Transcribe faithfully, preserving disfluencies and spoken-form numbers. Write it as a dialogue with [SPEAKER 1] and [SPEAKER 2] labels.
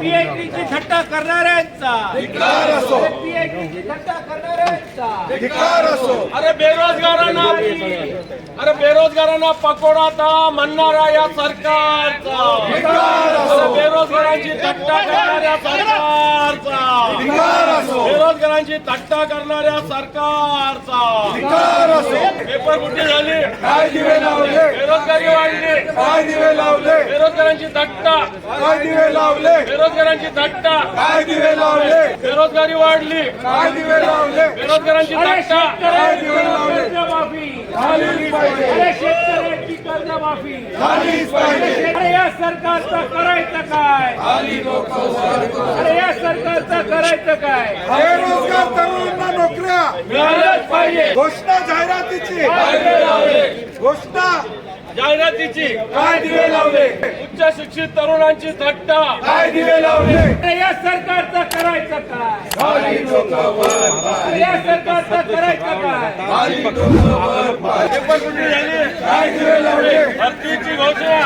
[SPEAKER 1] पीएचडीची थट्टा करणाऱ्यांचा
[SPEAKER 2] धिक्कार असो,
[SPEAKER 1] पीएचडीची थट्टा करणाऱ्यांचा
[SPEAKER 2] धिक्कार असो.
[SPEAKER 3] अरे बेरोजगारांना अरे बेरोजगारांना पकोडाता म्हणणारा या सरकारचा,
[SPEAKER 2] धिक्कार असो,
[SPEAKER 3] अरे बेरोजगारांची थट्टा करणाऱ्या सरकारचा,
[SPEAKER 2] धिक्कार असो,
[SPEAKER 3] बेरोजगारांची थट्टा करणाऱ्या सरकारचा
[SPEAKER 2] धिक्कार असो.
[SPEAKER 3] पेपर फुटी झाली,
[SPEAKER 2] काय दिवे लावले,
[SPEAKER 3] बेरोजगारी वाढली,
[SPEAKER 2] काय दिवे लावले,
[SPEAKER 3] बेरोजगारांची थट्टा,
[SPEAKER 2] काय दिवे लावले,
[SPEAKER 3] बेरोजगारांची थट्टा,
[SPEAKER 2] काय दिवे लावले,
[SPEAKER 3] बेरोजगारी वाढली,
[SPEAKER 2] काय दिवे लावले,
[SPEAKER 3] बेरोजगारांची थट्टा,
[SPEAKER 2] काय दिवे लावले.
[SPEAKER 1] कर्जमाफी,
[SPEAKER 2] झालीच पाहिजे,
[SPEAKER 1] अरे शेतकऱ्यांची कर्जमाफी,
[SPEAKER 2] झालीच पाहिजे.
[SPEAKER 1] अरे या सरकारचं करायचं काय, अरे या सरकारचं करायचं काय,
[SPEAKER 2] बेरोजगार तरुणांना नोकऱ्या
[SPEAKER 3] मिळाल्याच पाहिजे.
[SPEAKER 2] घोषणा जाहिरातीची,
[SPEAKER 3] काय दिवे लावले,
[SPEAKER 2] घोषणा
[SPEAKER 3] जाहिरातीची,
[SPEAKER 2] काय दिवे लावले,
[SPEAKER 3] उच्च शिक्षित तरुणांची थट्टा,
[SPEAKER 2] काय दिवे लावले.
[SPEAKER 1] अरे या सरकारचं करायचं काय, अरे या सरकारचं करायचं काय,
[SPEAKER 3] पेपर फुटी झाली,
[SPEAKER 2] काय दिवे लावले,
[SPEAKER 3] भरतीची घोषणा,